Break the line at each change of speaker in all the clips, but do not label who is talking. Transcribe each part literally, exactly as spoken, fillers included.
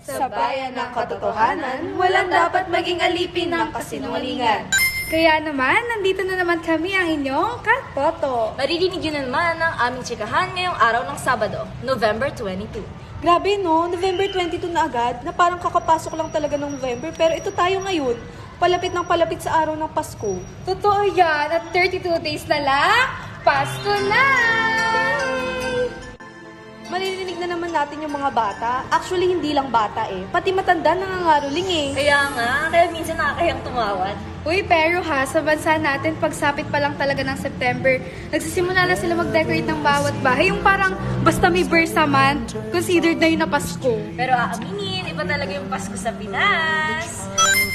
Sa bayan ng katotohanan, walang dapat maging alipin ng kasinungalingan.
Kaya naman, nandito na naman kami ang inyong Katoto.
Maririnig yun naman ang aming tsikahan ngayong araw ng Sabado, November twenty-two.
Grabe no, November twenty-two na agad, na parang kakapasok lang talaga ng November, pero ito tayo ngayon, palapit ng palapit sa araw ng Pasko.
Totoo yan, at thirty-two days na lang, Pasko na!
Maririnig na naman natin yung mga bata. Actually, hindi lang bata eh. Pati matanda nangangaroling eh.
Kaya nga, kaya minsan nakakayang tumawad.
Uy, pero ha, sa bansa natin, pagsapit pa lang talaga ng September, nagsisimula na sila mag-decorate ng bawat bahay. Yung parang basta may birthday month, considered na yun na Pasko.
Pero aaminin, iba talaga yung Pasko sa Pinas.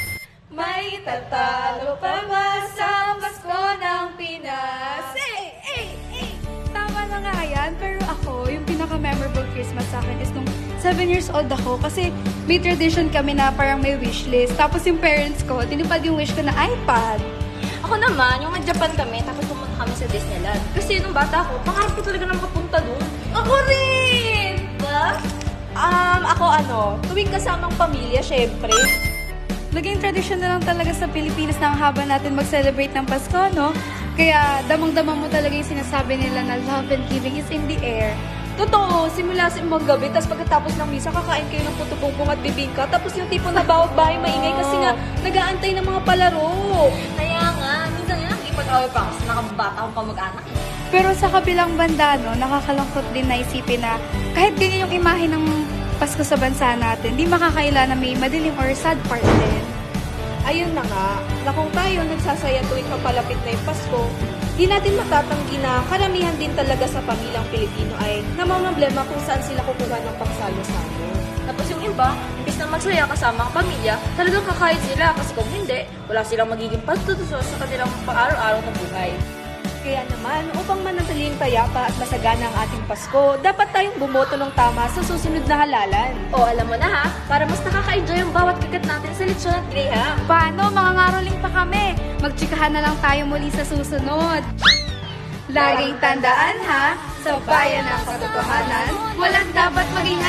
May tatalo pa ba sa Pasko ng Pinas? Eh, eh, eh! Tama na nga yan, pero ako, yung pinaka-memorable Christmas sa akin is nung seven years old ako kasi may tradition kami na parang may wishlist. Tapos yung parents ko, tinupad yung wish ko na iPad.
Ako naman, yung nag-Japan kami, tapos pumunta kami sa Disneyland. Kasi nung bata ako, pangarap ko talaga na makapunta doon.
Ako rin!
Ba?
Um, ako ano, tuwing kasamang pamilya, syempre.
Naging tradisyon na lang talaga sa Pilipinas na ang haba natin mag-celebrate ng Pasko, no? Kaya damang-dama mo talaga yung sinasabi nila na love and giving is in the air.
Totoo, simula sa imong gabi, tapos pagkatapos ng misa, kakain kayo ng puto-bumbong at bibingka, tapos yung tipo na bawat bahay maingay kasi nga nag-aantay ng mga palaro.
Kaya nga, minsan nga nakikipag-away pa ako sa nakabata akong kamag-anak.
Pero sa kabilang banda, no, nakakalungkot din na isipin na kahit ganyan yung imahe ng Pasko sa bansa natin, di makakaila na may madilim or sad part din.
Ayun na nga, na kung tayo nagsasaya tuwing papalapit na yung Pasko, di natin matatanggi na karamihan din talaga sa pamilyang Pilipino ay namamblema kung saan sila kukuha ng pagsalo-salo.
Tapos yung iba, imbis na magsaya kasama ang pamilya, talagang kakayod sila kasi kung hindi, wala silang magiging pagtutuso sa kanilang pang-araw-araw na buhay.
Kaya naman, upang manatiling payapa at masagana ang ating Pasko, dapat tayong bumoto ng tama sa susunod na halalan.
O alam mo na ha, para mas nakaka-enjoy ang bawat kagat natin sa lechon at graham.
Paano? Mga ngaroling pa kami. Magtsikahan na lang tayo muli sa susunod. Laging tandaan ha, sa bayan ng katotohanan, walang dapat maging